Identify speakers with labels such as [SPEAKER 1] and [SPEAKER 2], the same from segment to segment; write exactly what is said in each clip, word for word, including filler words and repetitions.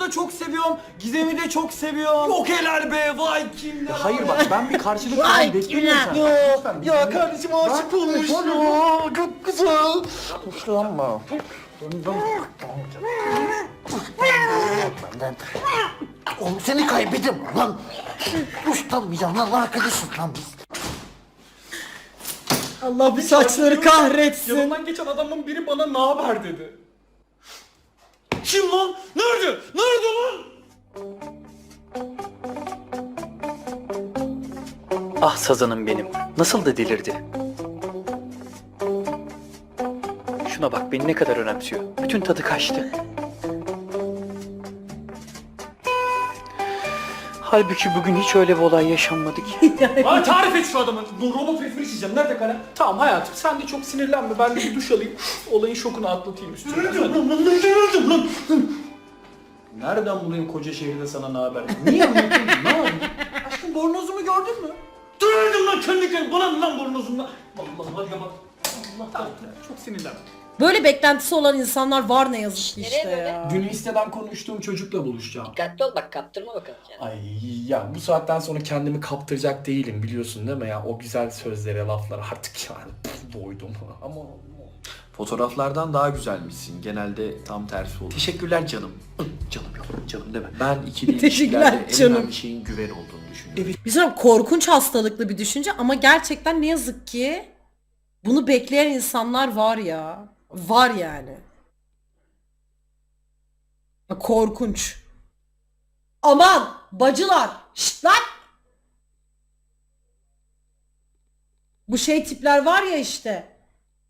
[SPEAKER 1] da çok seviyorum. Gizem'i de çok seviyorum. Yok helal be, vay kimler.
[SPEAKER 2] Hayır bak, ben bir karşılık falan
[SPEAKER 3] Vay
[SPEAKER 2] bekliyorum sen.
[SPEAKER 1] Ya, ya kardeşim aşık olmuş ya. Çok güzel.
[SPEAKER 2] Hoşlanma.
[SPEAKER 4] Oğlum seni kaybettim lan. Hoşlanmayacağım lan, arkadaşız lan biz.
[SPEAKER 3] Allah bu saçları kahretsin.
[SPEAKER 1] Yanından geçen adamın biri bana ne haber dedi. Kim lan? Nerede? Nerede lan?
[SPEAKER 5] Ah sazanım benim. Nasıl da delirdi. Şuna bak, beni ne kadar önemsiyor. Bütün tadı kaçtı. Halbuki bugün hiç öyle bir olay yaşanmadı ki.
[SPEAKER 1] Bana tarif et şu adamı. Bu robot resmini çizeceğim. Nerede kalem? Tamam hayatım, sen de çok sinirlenme. Ben de bir duş alayım. Olayın şokunu atlatayım üstüne. Nereden lan? Nereden bulayım koca şehirde sana ne haber? Niye anlatıyorsun? Ne yapayım? Aşkım bornozumu gördün mü? Döndüm lan kendi kendine. Bana ne lan bornozumla? Allah hadi bak. Allah tamam. Çok sinirlenme.
[SPEAKER 3] Böyle beklentisi olan insanlar var ne yazık ki
[SPEAKER 6] Nereye
[SPEAKER 3] işte
[SPEAKER 6] böyle?
[SPEAKER 3] ya.
[SPEAKER 1] Dün listeden konuştuğum çocukla buluşacağım.
[SPEAKER 6] Dikkatli ol bak, kaptırma bakalım kendini.
[SPEAKER 1] Ay ya, bu saatten sonra kendimi kaptıracak değilim, biliyorsun değil mi ya? O güzel sözlere, laflara artık yani pf, doydum ama...
[SPEAKER 2] Fotoğraflardan daha güzelmişsin. Genelde tam tersi olur.
[SPEAKER 5] Teşekkürler canım. Canım yok, canım deme.
[SPEAKER 2] Ben ikili
[SPEAKER 3] Teşekkürler
[SPEAKER 2] ilişkilerde en
[SPEAKER 3] canım.
[SPEAKER 2] önemli şeyin güven olduğunu düşünüyorum.
[SPEAKER 3] Bir sonra korkunç hastalıklı bir düşünce ama gerçekten ne yazık ki bunu bekleyen insanlar var ya. Var yani. Korkunç. Aman bacılar. Şşt lan. Bu şey tipler var ya işte.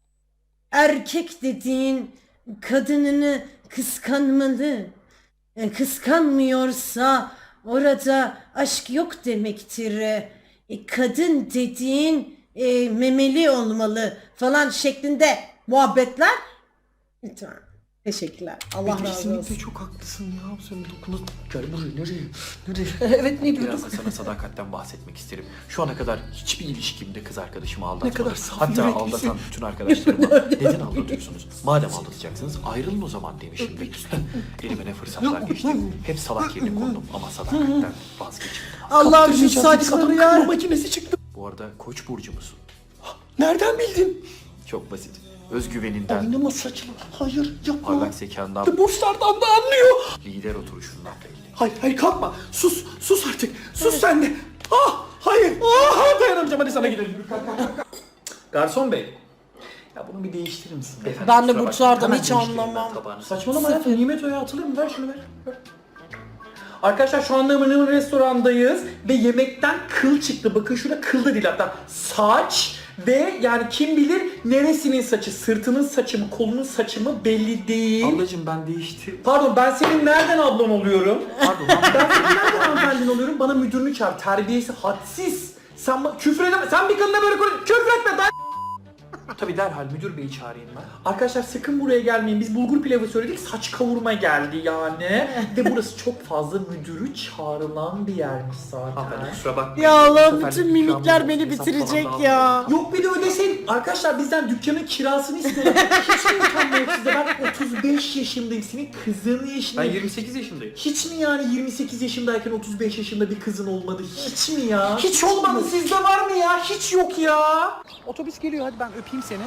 [SPEAKER 3] Erkek dediğin kadınını kıskanmalı. E, Kıskanmıyorsa orada aşk yok demektir. E, kadın dediğin e, memeli olmalı falan şeklinde muhabbetler. Lütfen. Teşekkürler. Allah razı
[SPEAKER 2] Kesinlikle
[SPEAKER 3] olsun.
[SPEAKER 2] çok haklısın ya. Sen dokunu... Gel buraya, nereye? Nereye?
[SPEAKER 3] Evet, ne diyorduk?
[SPEAKER 2] Biraz da sana sadakatten bahsetmek isterim. Şu ana kadar hiçbir ilişkimde kız arkadaşımı aldatmadım.
[SPEAKER 1] kadar saf
[SPEAKER 2] Hatta
[SPEAKER 1] yüreklisin.
[SPEAKER 2] aldatan bütün arkadaşlarıma neden aldatıyorsunuz? Madem aldatacaksınız ayrılın o zaman demişimdir. Elime ne fırsatlar geçti. Hep salak yerine kondum ama sadakatten vazgeçmedim.
[SPEAKER 3] Allah'ım şu
[SPEAKER 1] Kaptırmayacağım,
[SPEAKER 3] saçları
[SPEAKER 1] bir
[SPEAKER 3] ya.
[SPEAKER 1] kadın makinesi çıktı.
[SPEAKER 2] Bu arada Koç burcu musun?
[SPEAKER 1] Nereden bildin?
[SPEAKER 2] Çok basit. Özgüveninden,
[SPEAKER 1] Oynama saçma. Hayır yapma.
[SPEAKER 2] parlak zekandan,
[SPEAKER 1] Burçlardan da anlıyor.
[SPEAKER 2] lider oturuşundan belli.
[SPEAKER 1] Hayır hayır kalkma. Sus sus artık. Sus sen de. Ah hayır. Ah dayanamayacağım, hadi sana gidelim. Kalk, kalk, kalk, kalk. Garson bey. Ya bunu bir değiştirir misin? Beyefendi,
[SPEAKER 3] Ben de
[SPEAKER 2] kusura
[SPEAKER 3] burçlardan
[SPEAKER 2] bakmayın.
[SPEAKER 3] hiç
[SPEAKER 2] Hemen değiştireyim ben
[SPEAKER 3] anlamam.
[SPEAKER 2] tabağını.
[SPEAKER 1] Saçmalama hayatım. Nimet Oya atılır mı? Ver şunu ver. ver. Arkadaşlar şu anda Mınımın restorandayız ve yemekten kıl çıktı. Bakın şurada kıl da değil hatta. Saç ve yani kim bilir neresinin saçı, sırtının saçı mı, kolunun saçı mı belli değil.
[SPEAKER 2] Ablacım ben değişti.
[SPEAKER 1] Pardon, ben senin nereden ablan oluyorum?
[SPEAKER 2] Pardon.
[SPEAKER 1] Ben senin nereden hanımefendin oluyorum? Bana müdürünü çağır. Terbiyesi hadsiz. Sen ba- küfür edeme. Sen bir kadına böyle konuş. Küfür etme. Ben...
[SPEAKER 2] Tabii derhal müdür beyi çağırayım ben.
[SPEAKER 1] Arkadaşlar sakın buraya gelmeyin. Biz bulgur pilavı söyledik. Saç kavurma geldi yani. Ve burası çok fazla müdürü çağrılan bir yermiş zaten.
[SPEAKER 2] Hanımefendi kusura bakmayın.
[SPEAKER 3] Ya
[SPEAKER 2] Bu
[SPEAKER 3] Allah
[SPEAKER 2] seferlik
[SPEAKER 3] bütün
[SPEAKER 2] ikramı
[SPEAKER 3] mimikler beni
[SPEAKER 2] hesaplamam
[SPEAKER 3] bitirecek
[SPEAKER 2] lazım.
[SPEAKER 3] ya.
[SPEAKER 1] Yok bir de ödeseydin. Arkadaşlar bizden dükkanın kirasını istiyorlar. Hiç mi imkan yok size? Ben otuz beş yaşındayım. Senin kızın
[SPEAKER 2] Ben
[SPEAKER 1] yaşındayım.
[SPEAKER 2] yirmi sekiz yaşındayım.
[SPEAKER 1] Hiç mi yani yirmi sekiz yaşındayken otuz beş yaşında bir kızın olmadı? Hiç mi ya? Hiç olmadı. Sizde var mı ya? Hiç yok ya.
[SPEAKER 5] Otobüs geliyor, hadi ben öpeyim seni.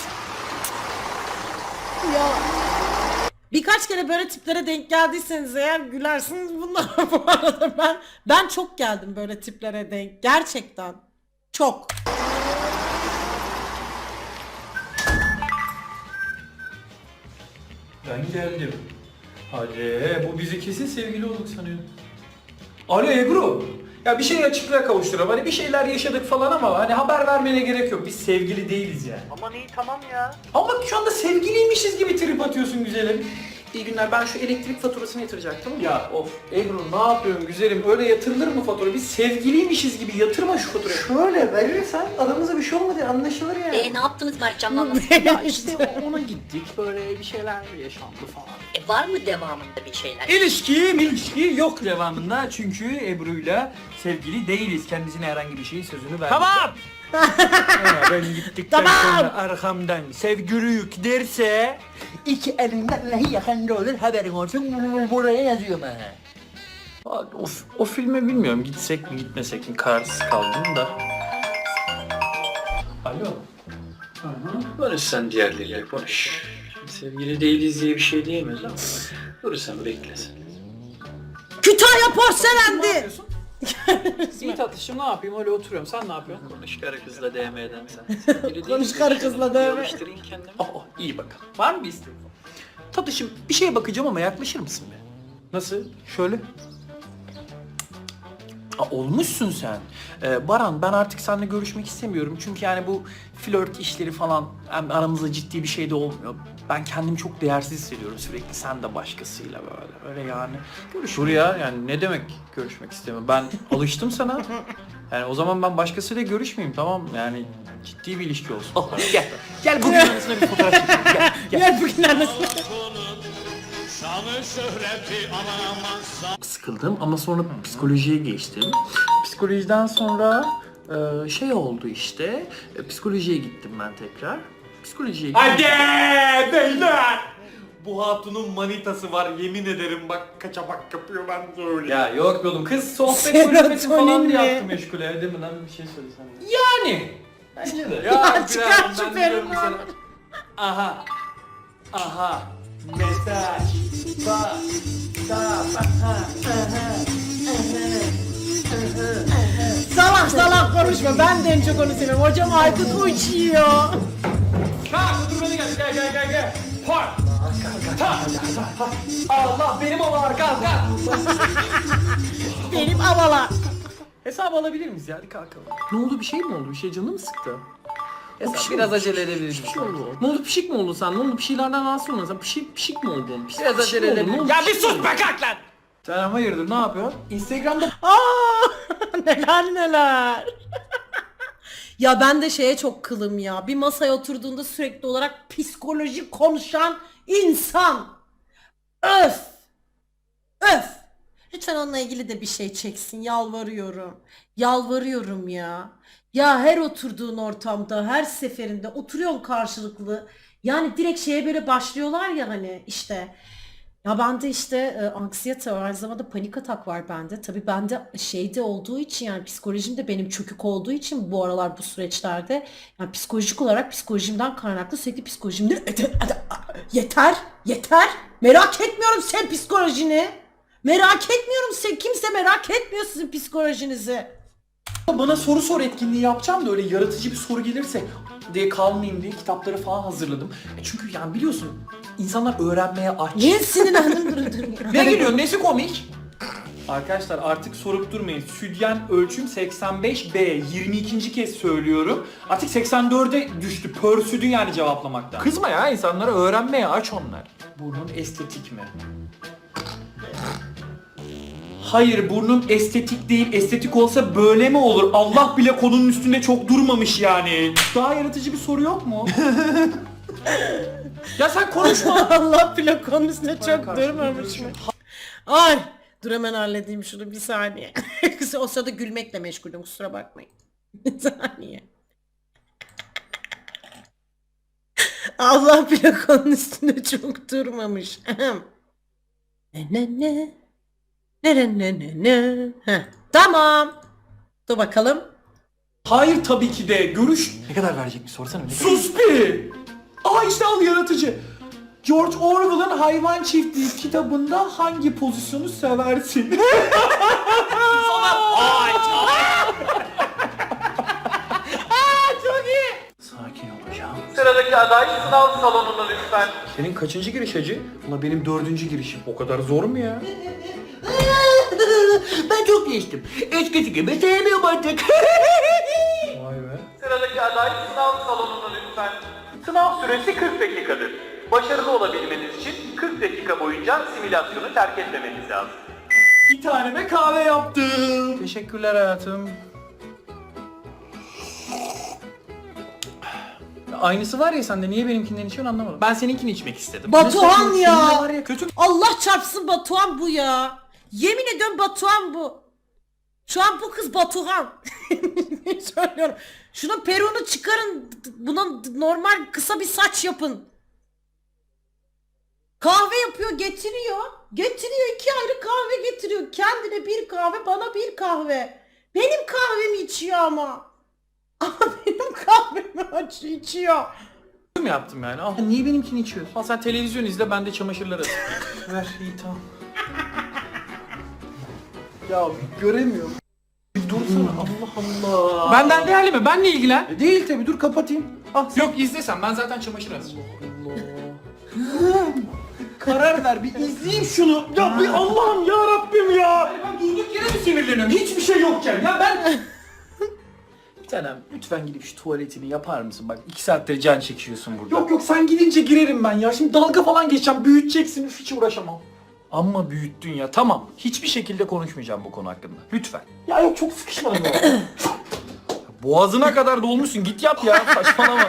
[SPEAKER 3] Ya. Birkaç kere böyle tiplere denk geldiyseniz eğer gülersiniz bunlara bu arada. Ben ben çok geldim böyle tiplere denk. Gerçekten. Çok.
[SPEAKER 1] Ben geldim. Hadi bu bizi kesin sevgili olduk sanıyor. Alo Ebru. Ya bir şey açıklığa kavuşturalım. Hani bir şeyler yaşadık falan ama hani haber vermene gerek yok. Biz sevgili değiliz yani.
[SPEAKER 5] Aman iyi, tamam ya.
[SPEAKER 1] Ama bak şu anda sevgiliymişiz gibi trip atıyorsun güzelim. İyi günler, ben şu elektrik faturasını yatıracaktım. Ya of Ebru ne yapıyorsun güzelim, öyle yatırılır mı fatura? Biz sevgiliymişiz gibi yatırma şu faturayı. Şöyle verirsen aramızda bir şey olmadı anlaşılır yani.
[SPEAKER 6] E ne yaptınız Mertcan'la anlasın.
[SPEAKER 5] Ya işte ona gittik, böyle bir şeyler yaşandı falan.
[SPEAKER 6] E var mı devamında bir şeyler?
[SPEAKER 7] İlişki, ilişki yok devamında çünkü Ebru'yla sevgili değiliz. Kendisine herhangi bir şeyin sözünü verdik.
[SPEAKER 5] Tamam!
[SPEAKER 7] ben gittikten
[SPEAKER 3] Tamam.
[SPEAKER 7] sonra arkamdan sevgili yük derse iki elinden neyi yakında olur haberin olsun buraya yazıyorum ha.
[SPEAKER 2] O, o filme bilmiyorum gitsek mi gitmesek mi kararsız kaldım da. Alo.
[SPEAKER 5] Barış sen diğerleriyle konuş. Şimdi sevgili değiliz diye bir şey diyemez ama dur sen beklesin.
[SPEAKER 3] Kütahya
[SPEAKER 1] Ne
[SPEAKER 3] porselendi.
[SPEAKER 1] yapıyorsun? İyi tatlışım, ne yapayım, öyle oturuyorum. Sen ne yapıyorsun?
[SPEAKER 5] Konuş karı kızla D M'den sen. Sevgili
[SPEAKER 3] Konuş
[SPEAKER 5] değiliz
[SPEAKER 3] karı
[SPEAKER 5] ya.
[SPEAKER 3] kızla D M.
[SPEAKER 5] Yalıştırayım kendimi.
[SPEAKER 2] Oh, oh, iyi bakalım.
[SPEAKER 1] Var mı bir isteğin?
[SPEAKER 2] Tatlışım bir şeye bakacağım ama yaklaşır mısın be?
[SPEAKER 1] Nasıl?
[SPEAKER 2] Şöyle. Aa, olmuşsun sen. Ee, Baran ben artık seninle görüşmek istemiyorum. Çünkü yani bu flört işleri falan hem aramızda ciddi bir şey de olmuyor. Ben kendimi çok değersiz hissediyorum sürekli sen de başkasıyla böyle. Öyle yani. Görüş.
[SPEAKER 1] Dur ya, yani ne demek görüşmek istemiyorum? Ben alıştım sana. Yani o zaman ben başkasıyla görüşmeyeyim, tamam, yani ciddi bir ilişki olsun.
[SPEAKER 2] Oh, gel. Gel bugün arasında bir fotoğraf çekelim. Gel. Gel.
[SPEAKER 3] Gel bugün arasında.
[SPEAKER 2] Sıkıldım ama sonra psikolojiye geçtim. Psikolojiden sonra e, şey oldu işte. E, psikolojiye gittim ben tekrar. Psikolojiye gittim.
[SPEAKER 1] Hadi beyler! Bu hatunun manitası var, yemin ederim bak kaçamak yapıyor, ben söyleyeyim. Ya yok be oğlum, kız sohbet kulübesi falan
[SPEAKER 3] Serotonin
[SPEAKER 1] diye
[SPEAKER 3] mi?
[SPEAKER 1] yaptı meşgule, değil mi lan, bir şey söylesene. Yani! Bence de.
[SPEAKER 3] Ya çıkar
[SPEAKER 1] Güzel,
[SPEAKER 3] şu
[SPEAKER 1] ben diyorum
[SPEAKER 3] peruğunu.
[SPEAKER 1] sana. Aha! Aha! Mesaj! Bak! Bak! Aha!
[SPEAKER 3] Salak salak konuşma. Ben de en çok onu seviyorum. Hocam Aykut uçuyor.
[SPEAKER 1] Kalk, dur beni gel, gel gel gel gel. Park! Allah benim oğlan, kalk kalk!
[SPEAKER 3] Benim havalar.
[SPEAKER 1] Hesap alabilir miyiz ya? Hadi kalkalım.
[SPEAKER 2] Ne oldu, bir şey mi oldu? Bir şey canım mı sıktı?
[SPEAKER 1] Hesap biraz acele edebiliriz.
[SPEAKER 2] Bir şey oldu. Ne oldu, pişik mi oldun sen? Ne oldu, bir şeylerden rahatsız oldun sen? Pişik, pişik mi oldun? Pişik,
[SPEAKER 1] Biraz
[SPEAKER 2] pişik
[SPEAKER 1] acele
[SPEAKER 2] mi oldun?
[SPEAKER 1] edelim.
[SPEAKER 2] Ne oldu,
[SPEAKER 1] Ya bir
[SPEAKER 2] pişik mi
[SPEAKER 1] sus
[SPEAKER 2] oldun?
[SPEAKER 1] be, kalk lan! Sen hayırdır, ne yapıyorsun? Instagram'da
[SPEAKER 3] Aa, neler neler. Ya ben de şeye çok kılım ya. Bir masaya oturduğunda sürekli olarak psikoloji konuşan insan. Öf. Öf. Lütfen onunla ilgili de bir şey çeksin. Yalvarıyorum. Yalvarıyorum ya. Ya her oturduğun ortamda, her seferinde oturuyorsun karşılıklı. Yani direkt şeye böyle başlıyorlar ya hani işte. Ya bende işte e, anksiyete var, aynı zamanda panik atak var bende. Tabii bende şeyde olduğu için yani psikolojim de benim çökük olduğu için bu aralar bu süreçlerde yani psikolojik olarak psikolojimden kaynaklı sürekli psikolojimde yeter, yeter. Merak etmiyorum sen psikolojini. Merak etmiyorum sen, kimse merak etmiyor sizin psikolojinizi.
[SPEAKER 1] bana soru sor etkinliği yapacağım da öyle yaratıcı bir soru gelirse diye kalmayayım diye kitapları falan hazırladım. E çünkü yani biliyorsun insanlar öğrenmeye aç.
[SPEAKER 3] Niye sinirlendim durun durun.
[SPEAKER 1] Ne gülüyorsun? Nesi komik? Arkadaşlar artık sorup durmayın. Südyen ölçüm seksen beş B. yirmi ikinci kez söylüyorum. Artık seksen dörde düştü. Pörsüdü yani cevaplamaktan.
[SPEAKER 2] Kızma ya, insanlara öğrenmeye aç onlar.
[SPEAKER 1] Burnun estetik mi? Hayır, burnum estetik değil. Estetik olsa böyle mi olur? Allah bile konunun üstünde çok durmamış yani. Daha yaratıcı bir soru yok mu? Ya sen konuşma.
[SPEAKER 3] Allah plakonun üstüne çok
[SPEAKER 1] karşımda
[SPEAKER 3] durmamış mı? Ay dur hemen halledeyim şunu bir saniye. O sırada gülmekle meşgulüm, kusura bakmayın. Bir saniye. Allah plakonun üstünde çok durmamış. Ahem. Ne ne ne. Ne ne ne ne ne. Heh, tamam. Dur bakalım.
[SPEAKER 1] Hayır tabii ki de. Görüş...
[SPEAKER 2] Ne kadar verecek bir sorsana. Ne kadar?
[SPEAKER 1] Sus bir! Aa işte al yaratıcı. George Orwell'ın Hayvan Çiftliği kitabında hangi pozisyonu seversin?
[SPEAKER 2] Sakin olacağım.
[SPEAKER 1] Sıradaki aday sınav salonuna lütfen. Senin kaçıncı giriş hacı? Ulan benim dördüncü girişim. O kadar zor mu ya?
[SPEAKER 7] Ben çok geçtim. Eskisi gibi sevmiyorum artık.
[SPEAKER 1] Vay be.
[SPEAKER 8] Sıradaki aday sınav salonuna lütfen. Sınav süresi kırk dakikadır. Başarılı olabilmeniz için kırk dakika boyunca simülasyonu terk etmemeniz lazım.
[SPEAKER 1] Bir taneme kahve yaptım. Teşekkürler hayatım. Aynısı var ya sende, niye benimkinden içiyorsun anlamadım.
[SPEAKER 2] Ben seninkini içmek istedim.
[SPEAKER 3] Batuhan
[SPEAKER 1] Seninle
[SPEAKER 3] ya.
[SPEAKER 1] var ya kötü.
[SPEAKER 3] Allah çarpsın Batuhan bu ya. Yemin ediyorum Batuhan bu. Şu an bu kız Batuhan. Söylüyorum. Şunun peruğunu çıkarın. Buna normal kısa bir saç yapın. Kahve yapıyor, getiriyor. Getiriyor, iki ayrı kahve getiriyor. Kendine bir kahve, bana bir kahve. Benim kahvemi içiyor ama. Ama benim kahvemi aç içiyor.
[SPEAKER 2] mi yaptım yani? Al. Niye benimkini içiyorsun? Al sen televizyon izle, ben de çamaşırları atayım. Ver, iyi tamam.
[SPEAKER 1] Ya göremiyorum.
[SPEAKER 2] Bir dursana, Allah Allah.
[SPEAKER 1] Benden değerli mi? Benle ilgilen.
[SPEAKER 2] E, Değil tabi, dur kapatayım.
[SPEAKER 1] Ah, yok izlesen, ben zaten çamaşır asacağım.
[SPEAKER 2] Karar ver, bir izleyeyim şunu.
[SPEAKER 1] Ya bir Allah'ım ya Rabbim ya. Ben durduk yere mi sinirleniyorum? Hiçbir şey yokken ya ben...
[SPEAKER 2] Bir tanem, lütfen gidip şu tuvaletini yapar mısın? Bak iki saattir can çekiyorsun burada.
[SPEAKER 1] Yok yok sen gidince girerim ben ya. Şimdi dalga falan geçeceğim. Büyüteceksin. Üf, hiç uğraşamam.
[SPEAKER 2] Amma büyüttün ya, tamam. Hiçbir şekilde konuşmayacağım bu konu hakkında. Lütfen.
[SPEAKER 1] Ya yok çok sıkışmadım ya.
[SPEAKER 2] Boğazına kadar dolmuşsun, git yap ya, saçmalama.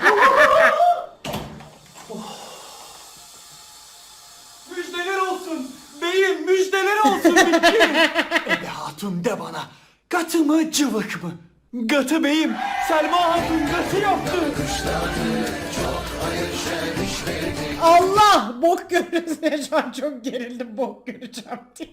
[SPEAKER 1] Müjdeler olsun. Beyim müjdeler olsun. Ebe hatun de bana. Katı mı cıvık mı? Gatı beyim. Selma hatun gatı yaptı.
[SPEAKER 3] Allah! Bok görürüz ya, şu an çok gerildim, bok göreceğim diye.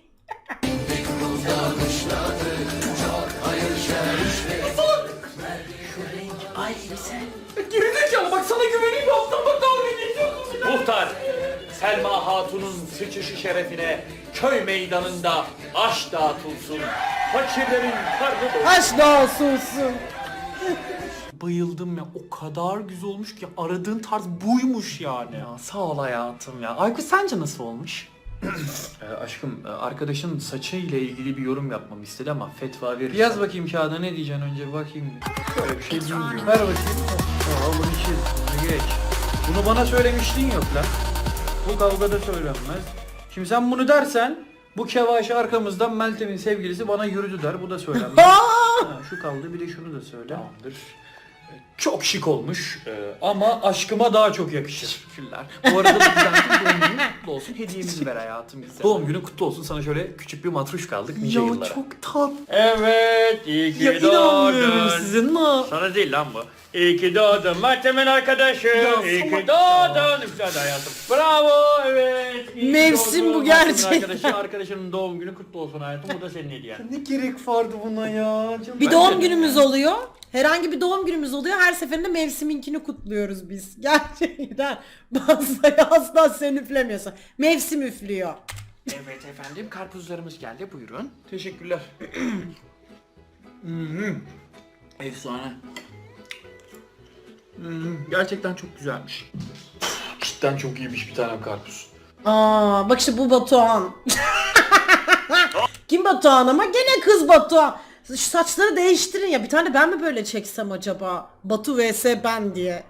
[SPEAKER 1] Gerizekalı bak sana güveneyim yaptım bak dalga geçiyorsun bir de.
[SPEAKER 2] Muhtar, Selma Hatun'un sıçışı şerefine köy meydanında aş dağıtılsın. Fakirlerin karnı doysun.
[SPEAKER 3] Aç da olsunsun.
[SPEAKER 1] Bayıldım ya, o kadar güzel olmuş ki aradığın tarz buymuş yani.
[SPEAKER 2] Ya sağ ol hayatım ya. Aykut sence nasıl olmuş? Ee, aşkım, e, arkadaşın saçı ile ilgili bir yorum yapmamı istedi ama fetva verir. Yaz bakayım kağıda, ne diyeceksin önce bir bakayım. Böyle bir şey bilmiyorum. Ver bakayım. Tamam, bunu çiz, bunu geç. Bunu bana söylemiştin yok lan. Bu kavgada söylenmez. Şimdi sen bunu dersen, bu kevaşi arkamızdan Meltem'in sevgilisi bana yürüdü der, bu da söylenmez. Ha, şu kaldı, bir de şunu da söyle. Tamamdır. Çok şık olmuş ee, ama aşkıma daha çok yakışır. Teşekkürler. Bu arada da güzel doğum günün kutlu olsun. Hediyemizi ver hayatım bize. Doğum günün kutlu olsun. Sana şöyle küçük bir matruş kaldık nice
[SPEAKER 1] Ya
[SPEAKER 2] yıllara.
[SPEAKER 1] çok tatlı.
[SPEAKER 2] Evet, iyi ki
[SPEAKER 1] Ya inanmıyorum sizin ne?
[SPEAKER 2] Sana değil lan bu. İyi ki doğdun Meltem'in arkadaşı.
[SPEAKER 1] Ya
[SPEAKER 2] İyi ki
[SPEAKER 1] salak
[SPEAKER 2] doğdun. Güzel hayatım. Bravo, evet. İyi ki
[SPEAKER 3] Mevsim
[SPEAKER 2] doğdun.
[SPEAKER 3] bu
[SPEAKER 2] Meltem'in
[SPEAKER 3] gerçekten.
[SPEAKER 2] Arkadaşı, arkadaşının doğum günü kutlu olsun hayatım. Bu da senin hediyen.
[SPEAKER 1] Ne gerek vardı buna ya? Canım
[SPEAKER 3] Bir
[SPEAKER 1] ben-
[SPEAKER 3] doğum günümüz oluyor. Herhangi bir doğum günümüz oluyor. Her seferinde mevsiminkini kutluyoruz biz. Gerçekten. Bazıları asla sen üflemiyorsun. Mevsim üflüyor.
[SPEAKER 2] Evet efendim, karpuzlarımız geldi, buyurun.
[SPEAKER 1] Teşekkürler.
[SPEAKER 2] Hmm. Efsane. Hmm, gerçekten çok güzelmiş. Cidden çok iyiymiş bir tane karpuz.
[SPEAKER 3] Aa, bak işte bu Batuhan. Kim Batuhan ama gene kız Batuhan. Şu saçları değiştirin ya. Bir tane ben mi böyle çeksem acaba? Batu vs ben diye.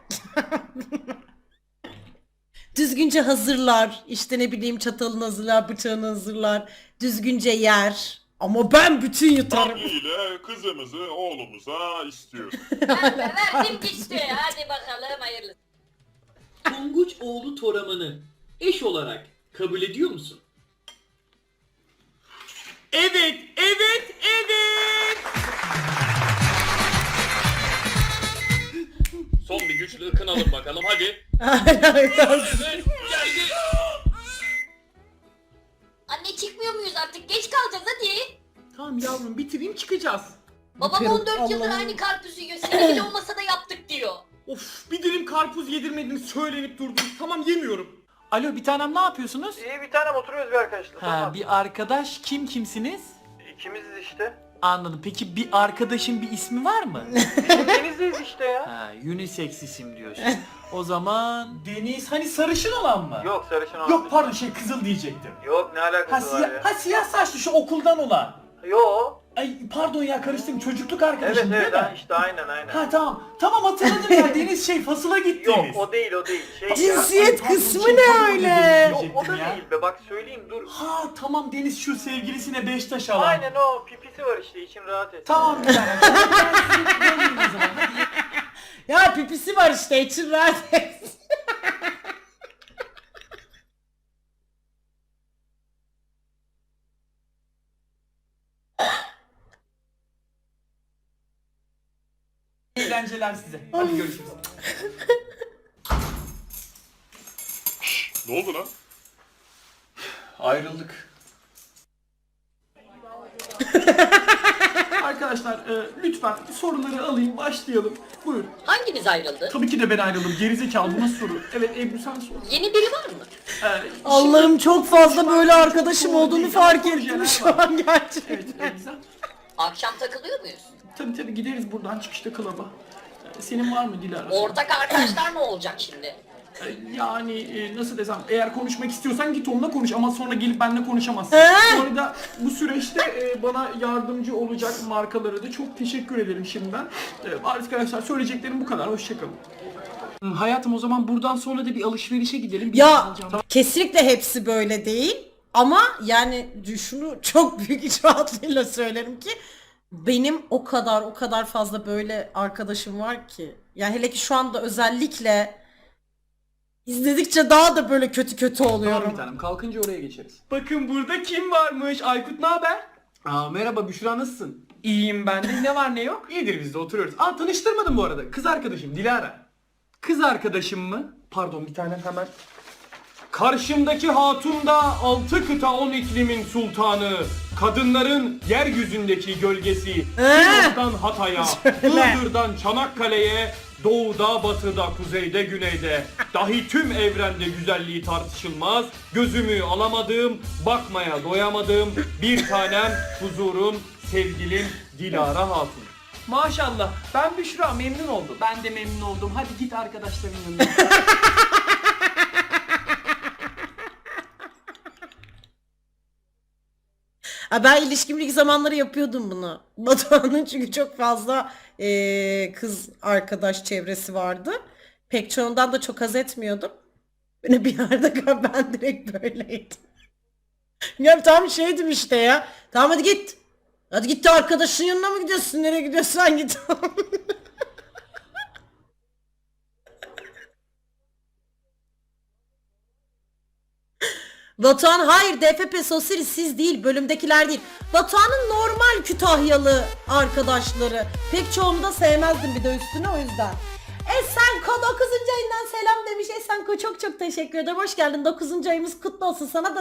[SPEAKER 3] Düzgünce hazırlar. İşte ne bileyim çatalını hazırlar, bıçağını hazırlar. Düzgünce yer. Ama ben bütün yutarım.
[SPEAKER 9] ile kızımızı oğlumuza istiyoruz.
[SPEAKER 6] Verdim gitti. Hadi bakalım hayırlısı.
[SPEAKER 5] Tonguç oğlu Toraman'ı eş olarak kabul ediyor musun? Evet, evet, evet. Son bir güçlü ıkınalım bakalım hadi. Evet, geldi.
[SPEAKER 6] Anne çıkmıyor muyuz artık? Geç kalacağız hadi.
[SPEAKER 1] Tamam yavrum bitireyim çıkacağız.
[SPEAKER 6] Babam
[SPEAKER 3] Yukarı-
[SPEAKER 6] on dört yıldır
[SPEAKER 3] Allah'ım.
[SPEAKER 6] aynı karpuzu yiyor. Sevgili olmasa da yaptık diyor.
[SPEAKER 1] Of bir dilim karpuz yedirmediniz söylenip durdunuz. Tamam yemiyorum.
[SPEAKER 2] Alo, bir tanem, ne yapıyorsunuz?
[SPEAKER 8] İyi bir tanem oturuyoruz bir arkadaşla.
[SPEAKER 2] Ha, bir arkadaş, kim kimsiniz?
[SPEAKER 8] İkimiziz işte.
[SPEAKER 2] Anladım. Peki bir arkadaşın bir ismi var mı?
[SPEAKER 8] Denizdeyiz işte ya.
[SPEAKER 2] Ha, unisex isim diyorsun. O zaman...
[SPEAKER 1] Deniz hani sarışın olan mı?
[SPEAKER 8] Yok sarışın olan.
[SPEAKER 1] Yok pardon şey kızıl diyecektim.
[SPEAKER 8] Yok ne
[SPEAKER 1] Ha,
[SPEAKER 8] alakası var
[SPEAKER 1] siyah,
[SPEAKER 8] ya.
[SPEAKER 1] ha siyah saçlı şu okuldan olan.
[SPEAKER 8] Yok.
[SPEAKER 1] Ay pardon ya karıştım çocukluk arkadaşım
[SPEAKER 8] Evet
[SPEAKER 1] değil
[SPEAKER 8] evet
[SPEAKER 1] mi?
[SPEAKER 8] ha, işte aynen aynen.
[SPEAKER 1] Ha tamam. Tamam hatırladım ya Deniz şey fasıla
[SPEAKER 8] Yok
[SPEAKER 1] gittiğimiz.
[SPEAKER 8] o değil o değil. Şey ya.
[SPEAKER 3] Cinsiyet
[SPEAKER 1] Pardon,
[SPEAKER 3] kısmı
[SPEAKER 1] şey,
[SPEAKER 3] ne
[SPEAKER 1] pardon,
[SPEAKER 3] öyle?
[SPEAKER 8] Yok o
[SPEAKER 1] diyecektim
[SPEAKER 8] da
[SPEAKER 1] ya.
[SPEAKER 8] değil be bak söyleyeyim dur.
[SPEAKER 1] Ha tamam Deniz şu sevgilisine beş taş alan.
[SPEAKER 8] Aynen o pipisi var işte için rahat et.
[SPEAKER 1] Tamam bir tane. Tamam, ben sizi göreyim o zaman. Hadi.
[SPEAKER 3] Ya pipisi var işte, için rahat et.
[SPEAKER 2] Eğlenceler size. Hadi görüşürüz.
[SPEAKER 9] Ne oldu lan?
[SPEAKER 1] Ayrıldık. Arkadaşlar e, lütfen soruları alayım, başlayalım. Buyur.
[SPEAKER 6] Hanginiz ayrıldı?
[SPEAKER 1] Tabii ki de ben ayrıldım. Gerizekalı bu nasıl soru? Evet Ebru sen sor.
[SPEAKER 6] Yeni biri var mı?
[SPEAKER 1] Ee,
[SPEAKER 3] Allah'ım çok fazla böyle
[SPEAKER 1] Şu an-
[SPEAKER 3] arkadaşım olduğunu fark ettim şu an
[SPEAKER 1] Evet,
[SPEAKER 3] gerçekten.
[SPEAKER 1] e, güzel.
[SPEAKER 6] Akşam takılıyor muyuz?
[SPEAKER 1] Tabii tabii gideriz buradan çıkışta klaba. Ee, Senin var mı Dilara?
[SPEAKER 6] Ortak arkadaşlar ne olacak şimdi?
[SPEAKER 1] Ee, Yani e, nasıl desem, eğer konuşmak istiyorsan git onunla konuş ama sonra gelip benimle konuşamazsın.
[SPEAKER 3] He?
[SPEAKER 1] Bu arada bu süreçte e, bana yardımcı olacak markalara da çok teşekkür ederim şimdiden. Ee, Arkadaşlar söyleyeceklerim bu kadar. Hoşçakalın. Hayatım o zaman buradan sonra da bir alışverişe gidelim. Bir şey
[SPEAKER 3] Ya
[SPEAKER 1] alacağım.
[SPEAKER 3] kesinlikle hepsi böyle değil. Ama yani şunu çok büyük iç rahatlığıyla söylerim ki benim o kadar o kadar fazla böyle arkadaşım var ki. Yani hele ki şu anda özellikle izledikçe daha da böyle kötü kötü
[SPEAKER 1] Tamam
[SPEAKER 3] oluyorum.
[SPEAKER 1] bir tanem. Kalkınca oraya geçeriz. Bakın burada kim varmış? Aykut ne haber? Aa merhaba Büşra nasılsın? İyiyim ben de. Ne var ne yok? İyidir biz de oturuyoruz. Aa tanıştırmadım bu arada. Kız arkadaşım Dilara. Kız arkadaşım mı? Pardon bir tanem hemen. Karşımdaki hatun da altı kıta on iklimin sultanı. Kadınların yeryüzündeki gölgesi. Sivas'tan Hatay'a, Iğdır'dan Çanakkale'ye, doğuda, batıda, kuzeyde, güneyde. Dahi tüm evrende güzelliği tartışılmaz. Gözümü alamadığım, bakmaya doyamadığım bir tanem, huzurum, sevgilim Dilara Hatun. Maşallah. Ben Büşra memnun oldum. Ben de memnun oldum. Hadi git arkadaşların yanına.
[SPEAKER 3] Ha, ben ilişkim ilk zamanları yapıyordum bunu. Batuhan'ın çünkü çok fazla eee, kız arkadaş çevresi vardı. Pek çoğundan da çok haz etmiyordum. Böyle bir yerde ben direkt böyleydim. Ya tam şeydim işte ya. Tamam hadi git. Hadi git de arkadaşın yanına mı gidiyorsun? Nereye gidiyorsan git. Batuhan hayır D F P Sosiri siz değil bölümdekiler değil. Batuhan'ın normal Kütahyalı arkadaşları. Pek çoğunu da sevmezdim bir de üstüne o yüzden. Esenko dokuzuncu ayından selam demiş. Esenko çok çok teşekkür ederim. Hoş geldin dokuzuncu ayımız kutlu olsun sana da.